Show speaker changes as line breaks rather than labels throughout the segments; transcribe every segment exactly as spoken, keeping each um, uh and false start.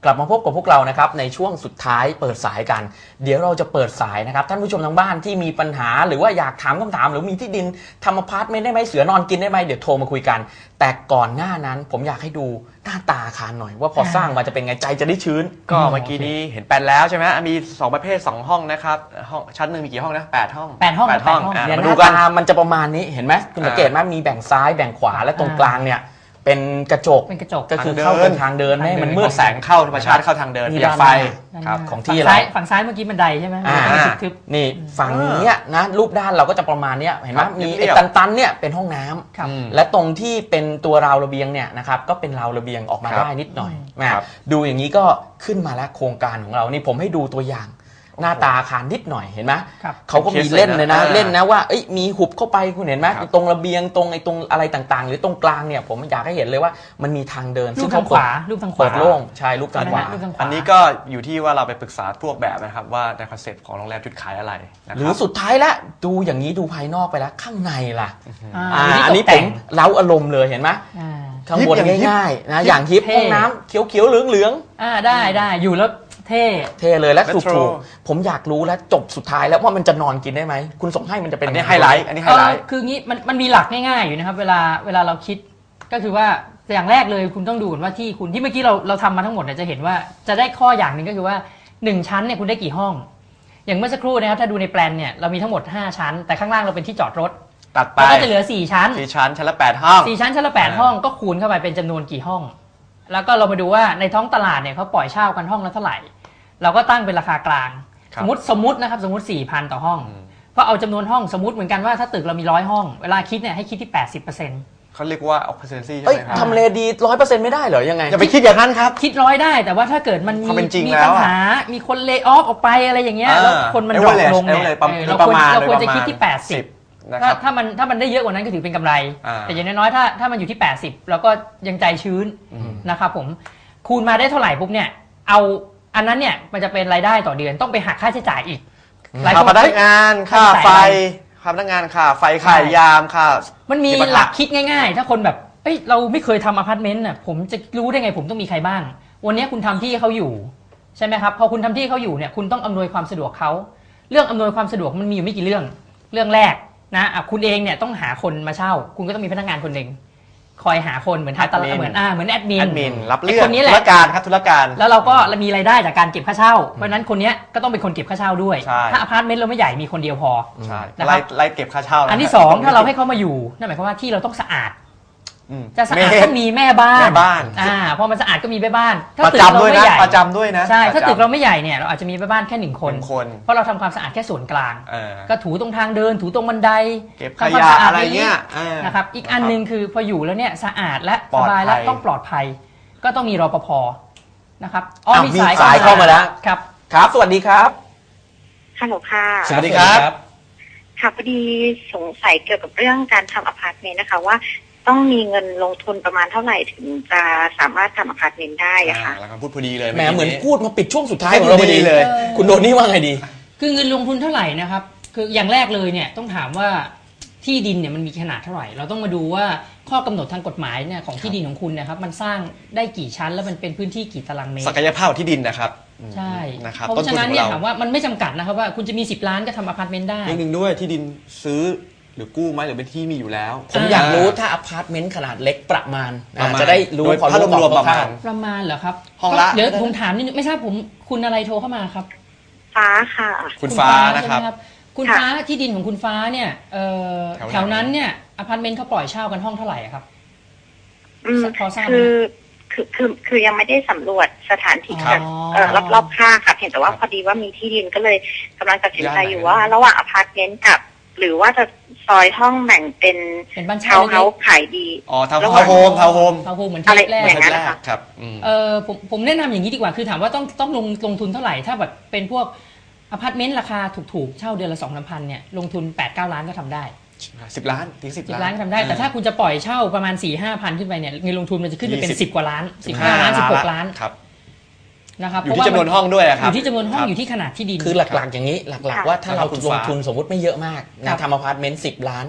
ลับมาพบกับพวกเรานะครับในช่วงสุดท้ายเปิดสายกันเดี๋ยวเราจะเปิดสายนะครับท่านผู้ชมทางบ้านที่มีปัญหาหรือว่าอยากถามคำถามหรือมีที่ดินทำอพาร์ตเมนต์ได้ไหมเสือนอนกินได้ไหมเดี๋ยวโทรมาคุยกันแต่ก่อนหน้านั้นผมอยากให้ดูหน้าตาอาคารหน่อยว่าพอสร้างมาจะเป็นไงใจจะได้ชื้น
ก็เมื่อกี้นี้เห็นแปลนแล้วใช่ไหมมีสองประเภทสองห้องนะครับห้องชั้นหนึ่งมีกี่ห้องนะแปดห้อง
แปดห้อง
แปดห้อง
เนี่ยหน้าตามันจะประมาณนี้เห็นไหมคุณสังเกตไหมมีแบ่งซ้ายแบ่งขวาและตรงกลางเนี่ยเป็นกระจก
เป็นกระจก
ก็คือเข้าเป็นทางเดินให้มันมืด
แสงเข้าธรรมชาติเข้าทางเดินมีไฟ
ครับของที่
เรา
เรา
ฝั่งซ้ายเมื่อกี้บันไดใช่ไหมทึบ
นี่ฝั่งนี้นะรูปด้านเราก็จะประมาณนี้เห็นไหมมีไอ้ตันๆเนี่ยเป็นห้องน้ำและตรงที่เป็นตัวราวระเบียงเนี่ยนะครับก็เป็นราวระเบียงออกมาได้นิดหน่อยดูอย่างนี้ก็ขึ้นมาแล้วโครงการของเรานี่ผมให้ดูตัวอย่างหน้าตาอาคารนิดหน่อยเห็นไหมเขาก็มีเล่นเลยนะเล่นนะว่ามีหุบเข้าไปคุณเห็นไหมตรงระเบียงตรงไอ้ตรงอะไรต่างๆหรือตรงกลางเนี่ยผมอยากให้เห็นเลยว่ามันมีทางเดิน
ซึ่งเขาขวารูปทางขวา
เปิดโล่งใช่รูปทางขวา
อันนี้ก็อยู่ที่ว่าเราไปปรึกษาพวกแบบนะครับว่าในคอนเซ็ปต์ของโรงแรมจุดขายอะไร
หรือสุดท้ายแล้วดูอย่างนี้ดูภายนอกไปแล้วข้างในล่ะอันนี้ผมเล้าอารมณ์เลยเห็นไหมข้างบนง่ายๆนะอย่างฮิปห้องน้ำเขียวๆเหลือง
ๆอ่าได้ได้อยู่แล้วเท่
เท่เลยและถูกๆผมอยากรู้แล้วจบสุดท้ายแล้วว่ามันจะนอนกินได้ไหมคุณส่งให้มันจะเป็นอั
นนี้ไฮไลท์อันนี้ไฮไลท์
คืองี้มันมันมีหลักง่ายๆอยู่นะครับเวลาเวลาเราคิดก็คือว่าอย่างแรกเลยคุณต้องดูว่าที่คุณที่เมื่อกี้เราเราทำมาทั้งหมดเนี่ยจะเห็นว่าจะได้ข้ออย่างหนึ่งก็คือว่าหนึ่งชั้นเนี่ยคุณได้กี่ห้องอย่างเมื่อสักครู่นะครับถ้าดูในแปลนเนี่ยเรามีทั้งหมดห้าชั้นแต่ข้างล่างเราเป็นที่จอดรถ
ตัดไป
ก็จะเหลือสี่ชั้น
สี่ชั้นชั้นละแปดห้อง
สี่ชั้นชั้นละแปดห้องก็คูณเข้าไปเป็นจำนวนกี่ห้องแล้วก็เรามาดูว่าในท้องตลาดเนี่ยเขาปล่อยเช่ากันห้องละเท่าไหร่เราก็ตั้งเป็นราคากลางสมมติสมมตินะครับสมมติ สี่พัน ต่อห้องก็เอาจำนวนห้องสมมติเหมือนกันว่าถ้าตึกเรามีร้อยห้องเวลาคิดเนี่ยให้คิดที่ แปดสิบเปอร์เซ็นต์
เขาเรียกว่า occupancy ใช่ไหมครับ
ทำเลดี ร้อยเปอร์เซ็นต์ ไม่ได้เหรอยังไง
อย่าไปคิดอย่างนั้นครับ
คิดร้อยได้แต่ว่าถ้าเกิดมันมีมีปัญหามีคนเลย์ออฟออกไปอะไรอย่างเงี้ยแล้วคนมันดรอปลงเนี่ยเราควรเราควรจะคิดที่แปดสิบถ้าถ้ามันถ้ามันได้เยอะกว่านั้นก็ถือเป็นกำไรแต่อย่างน้อยๆถ้าถ้ามันอยู่ที่แปดสิบเราก็ยังใจชื้นนะครับผมคูณมาได้เท่าไหร่ปุ๊บเนี่ยเอาอันนั้นเนี่ยมันจะเป็นรายได้ต่อเดือนต้องไปหักค่าใช้จ่ายอีก
ค่าพนักงานค่าไฟค่าพนักงานค่าไฟค่ายามค่า
มันมีหลักคิดง่ายๆถ้าคนแบบเอ้ยเราไม่เคยทำอพาร์ตเมนต์น่ะผมจะรู้ได้ไงผมต้องมีใครบ้างวันนี้คุณทำที่เขาอยู่ใช่ไหมครับพอคุณทำที่เขาอยู่เนี่ยคุณต้องอำนวยความสะดวกเขาเรื่องอำนวยความสะดวกมันมีอยู่ไม่กี่เรื่องเรื่องแรกนะคุณเองเนี่ยต้องหาคนมาเช่าคุณก็ต้องมีพนักงานคนหนึ่งคอยหาคนเหมือนทางตลาดเหมือนอ่าเหมือนแอดมิน
แอดมินรับเรื่องคนนี้แหละธุรการครับธุรการ
แล้วเราก็มีรายได้จากการเก็บค่าเช่าเพราะฉะนั้นคนนี้ก็ต้องเป็นคนเก็บค่าเช่าด้วยถ้าอพาร์ตเมนต์เราไม่ใหญ่มีคนเดียวพอ
ใช่ไล่ไล่เก็บค่าเช่า
อันที่สองถ้าเราให้เขามาอยู่นั่นหมายความว่าที่เราต้องสะอาดจะสะอาดต้องมีแม่บ้าน
แม่บ้าน
อ่าพอมันสะอาดก็มีแม่บ้าน
ถ้าตึกเราไม่ใหญ่ประจำด้วยนะ
ใช่ถ้าตึกเราไม่ใหญ่เนี่ยเราอาจจะมีแม่บ้านแค่หนึ่งคนเพราะเราทำความสะอาดแค่ส่วนกลางก็ถูตรงทางเดินถูตรงบันได
เก็บขยะอะไรเงี้ย
นะครับอีกอันนึงคือพออยู่แล้วเนี่ยสะอาดและสบายและต้องปลอดภัยก็ต้องมีรปภนะครับ
อ๋อมีสายเข้ามาแล้ว
ครับ
ครับสวัสดีครับ
ฮัลโหลค่ะ
สวัสดีครับ
ค่ะพอดีสงสัยเกี่ยวกับเรื่องการทำอพาร์ตเมนต์นะคะว่าต้องมีเงินลงทุนประมาณเท่าไหร่ถึงจะสามารถทำอพาร์ตเมนต์ได้อะค่ะ
แล้วก็พูดพอดีเลย
แหมเหมือนพูดมาปิดช่วงสุดท้ายของเราพอดีเลยคุณโดนี่ว่าไงดี
คือเงินลงทุนเท่าไหร่นะครับคืออย่างแรกเลยเนี่ยต้องถามว่าที่ดินเนี่ยมันมีขนาดเท่าไหร่เราต้องมาดูว่าข้อกำหนดทางกฎหมายเนี่ยของที่ดินของคุณนะครับมันสร้างได้กี่ชั้นแล้วมันเป็นพื้นที่กี่ตารางเมตร
ศักยภาพที่ดินนะครับ
ใช่
นะครับ
เพราะฉะนั้นเนี่ยถามว่ามันไม่จำกัดนะครับว่าคุณจะมีสิบล้านก็ทำอพาร์ตเมนต์ได้
เรื่องนึงด้วยที่ดินซื้อหรือกู้ไหมหรือเป็นที่มีอยู่แล้ว
ผมอยากรู้ถ้าอพาร์ตเมนต์ขนาดเล็กประมาณจะได้รู้พอ
รวมๆประมาณ
ประมาณเหรอครับ
ห้องละ
เดี๋ยวผมถามนิดนึงไม่ทราบผมคุณอะไรโทรเข้ามาครับ
ฟ้าค่ะ
คุณฟ้านะครับ
คุณฟ้าที่ดินของคุณฟ้าเนี่ยแถวนั้นเนี่ยอพาร์ตเมนต์เขาปล่อยเช่ากันห้องเท่าไหร่ครับ
พอทราบคือคือคือคือยังไม่ได้สำรวจสถานที่รอบรอบข้างค่ะเพียงแต่ว่าพอดีว่ามีที่ดินก็เลยกำลังตัดสินใจอยู่ว่าระหว่างอพาร์ตเมนต์กับหรือว่าจะซอยห้องแบ่งเป็น
เป็นบ้าน
เช่าเฮาส์ขายดี
อ๋อทาวน์โฮมทาวน์โฮม
ทาวน์โฮมเหมือนที่แรก
อย่างนั้นค่ะ
ครับ
เออผมผมแนะนำอย่างนี้ดีกว่าคือถามว่าต้องต้องลงลงทุนเท่าไหร่ถ้าแบบเป็นพวกอพาร์ตเมนต์ราคาถูกๆเช่าเดือนละสองสามพันเนี่ยลงทุนแปดเก้าล้านก็ทำได้
สิบล้านถึงสิบ
ล้านทำได้แต่ถ้าคุณจะปล่อยเช่าประมาณสี่ห้าพันขึ้นไปเนี่ยเงินลงทุนมันจะขึ้นไปเป็นสิบกว่าล้านสิบห้าล้านสิบหกล้าน
ครับ
นะครับ
อยู่ที่จำนวนห้องด้วยครับ
อยู่ที่จำนวนห้องอยู่ที่ขนาดที่ดิน
คือหลักๆอย่างนี้หลักๆว่าถ้าเราลงทุนสมมติไม่เยอะมากนะทำอพาร์ตเมนต์สิบล้าน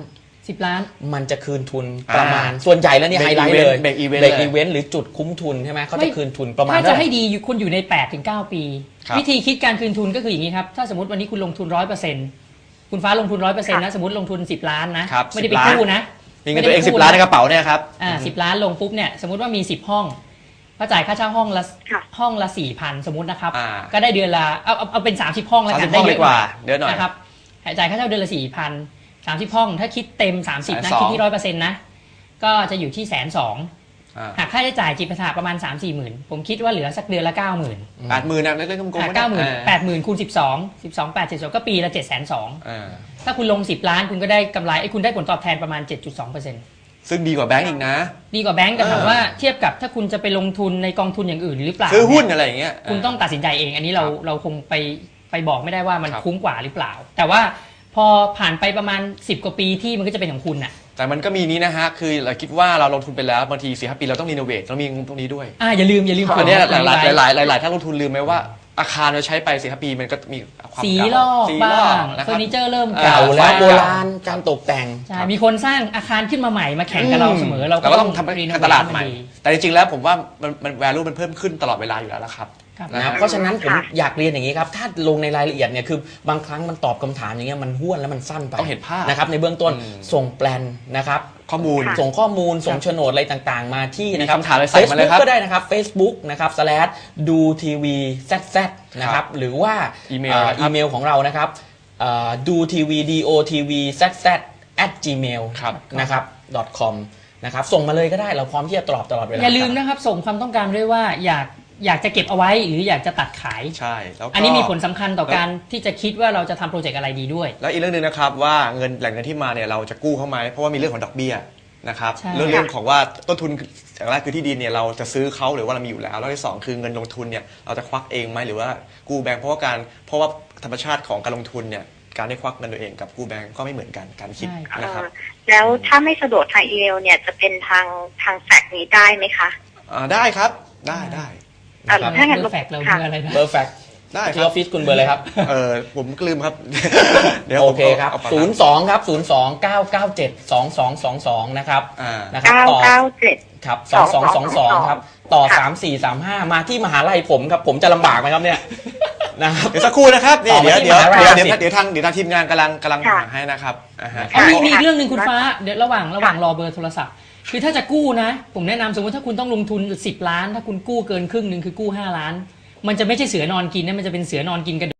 สิบล้าน
มันจะคืนทุนประมาณส่วนใหญ่แล้วเนี่ยไฮไลท์เลย
เบรกอีเวนต์
เบรกอีเวนต์หรือจุดคุ้มทุนใช่ไหมเขาจะคืนทุนประมาณ
ถ้า
เท่า
จะ
ไหร่
ให้ดีอยู่คุณอยู่ใน แปดถึงเก้า ปี วิธีคิดการคืนทุนก็คืออย่างนี้ครับถ้าสมมติวันนี้คุณลงทุน ร้อยเปอร์เซ็นต์ คุณฟ้าลงทุน ร้อยเปอร์เซ็นต์ นะสมมติลงทุนสิบล้านนะไม่ได้ไปกู้นะ
มีเงินตัวเองสิบล้านในกระเป๋าเนี่ยครับ
อ่าสิบล้านลงปุ๊บเนี่ยสมมติว่ามีสิบห้องก็จ่ายค่าเช่าห้องละห้องละ สี่พัน สมมตินะครับก็ได้เดือนละเอาเอาเอาเป็นสามสิบห้องแล้วกันได้เยอะกว่า
เดือนหน่อย
นะครับจ่ายค่าเช่าเดือนละ สี่พัน สามสิบห้องถ้าคิดเต็มสามสิบนะคิดที่ ร้อยเปอร์เซ็นต์ นะก็จะอยู่ที่ หนึ่งแสนสองหมื่น หากค่าใช้จ่ายจิปาถะประมาณ สามสี่ หมื่นผมคิดว่าเหลือสักเดือนละ เก้าหมื่น
แปดหมื่นนะเล่นๆกลมๆ
เก้าหมื่น แปดหมื่นคูณสิบสอง สิบสอง แปด เจ็ด สองก็ปีละ เจ็ดแสนสองหมื่น ถ้าคุณลงสิบล้านคุณก็ได้กำไรไอ้คุณได้ผลตอบแทนประมาณ เจ็ดจุดสองเปอร์เซ็นต์
ซึ่งดีกว่าแบงก์อีกนะ
ดีกว่าแบงก์แต่ถามว่าเทียบกับถ้าคุณจะไปลงทุนในกองทุนอย่างอื่นหรือเปล่า
ซื้อหุ้นอะไรอย่างเงี้ย
คุณต้องตัดสินใจเองอันนี้เราเราคงไปไปบอกไม่ได้ว่ามันคุ้มกว่าหรือเปล่าแต่ว่าพอผ่านไปประมาณสิบกว่าปีที่มันก็จะเป็นของคุณน่ะ
แต่มันก็มีนี้นะฮะคือเราคิดว่าเราลงทุนไปแล้วบางทีสี่ห้าปีเราต้องรีโนเวทต้องมีตรงนี้ด้วย
อ่าอย่าลืมอย่าลืม
อันนี้หลายหลายหลายหลายหลายท่านลงทุนลืมไหมว่าอาคารเราใช้ไปสี่ห้าปีมันก็มีความ
สีลอกบ้างเฟอร์นิเจอร์เริ่ม
เก่าแล้วโบราณการตกแต่ง
ใช่มีคนสร้างอาคารขึ้นมาใหม่มาแข่งกับเราเสมอเรา
ก็ต้องทำการตลาดใหม่แต่จริงๆแล้วผมว่ามันมัน value มันเพิ่มขึ้นตลอดเวลาอยู่แล้วละครับ
นะเพราะฉะนั้นผมอยากเรียนอย่างนี้ครับถ้าลงในรายละเอียดเนี่ยคือบางครั้งมันตอบคำถามอย่างเงี้ยมันห้วนแล้วมันสั้นไป
ต้องเห็นภาพ
นะครับในเบื้องต้นส่งแปลนนะครับ
ข้อมูล
ส่งข้อมูลส่งโฉนดอะไรต่างๆมาที่
นะ
ครับ
คำถามอะไรใส่มาเลยครับ
ก็ได้นะครับ Facebook นะครับ slash ดูทีวี แซด แซด นะครับหรือว่า
อีเมล
อีเมลของเรานะครับดูทีวี ดอ ที วี แซด แซด แอท จีเมล นะครับ .com นะครับส่งมาเลยก็ได้เราพร้อมที่จะตอบตลอดเวลา
อย่าลืมนะครับส่งความต้องการด้วยว่าอยากอยากจะเก็บเอาไว้หรืออยากจะตัดขาย
ใช่แล้ว
อันนี้มีผลสำคัญต่อการที่จะคิดว่าเราจะทำโปรเจกต์อะไรดีด้วย
แล้วอีกเรื่องหนึ่งนะครับว่าเงินแหล่งเงินที่มาเนี่ยเราจะกู้เข้าไหมเพราะว่ามีเรื่องของดอกเบี้ยนะครับเรื่องเรื่องของว่าต้นทุนอย่างแรกคือที่ดินเนี่ยเราจะซื้อเขาหรือว่าเรามีอยู่แล้วแล้วที่สองคือเงินลงทุนเนี่ยเราจะควักเองไหมหรือว่ากู้แบงก์เพราะว่าการเพราะว่าธรรมชาติของการลงทุนเนี่ยการได้ควักเงินตัวเองกับกู้แบงก์ก็ไม่เหมือนกันการคิดนะครับ
แล้วถ้าไม่สะดวกทางอีเมลเนี่ยจะเป็นทางทางแฟกซ์นี้ได้ไหมคะ
อ่าได้ครับได้ได้
ถ้างั้นเบอร์แฟกเราเบอร์อะไรนะ
เบอร์แฟก
ได้
ที่ออฟฟิศคุณเบอร์อะไรครับ
เออผมลืมครับ
เดี๋ยวโอเคครับศูนย์สองครับศูนย์สองเก้าเก้าเจ็ดสองสองสองสองนะครับ
นะครับต่อ
ครับสองสองสองสองครับต่อสามสี่สามห้ามาที่มหาลัยผมครับผมจะลำบากไหมครับเนี่ย
นะครับเดี๋ยวสักครู่นะครับนี่เดี๋ยวเดี๋ยวเดี๋ยวเดี๋ยวทางเดี๋ยวทางทีมงานกำลังกำลังหาให้นะครับ
มีมีอีกเรื่องหนึ่งคุณฟ้าเดี๋ยวระหว่างระหว่างรอเบอร์โทรศัพท์คือถ้าจะกู้นะผมแนะนำสมมติถ้าคุณต้องลงทุนสิบล้านถ้าคุณกู้เกินครึ่งหนึ่งคือกู้ห้าล้านมันจะไม่ใช่เสือนอนกินนะมันจะเป็นเสือนอนกินกระ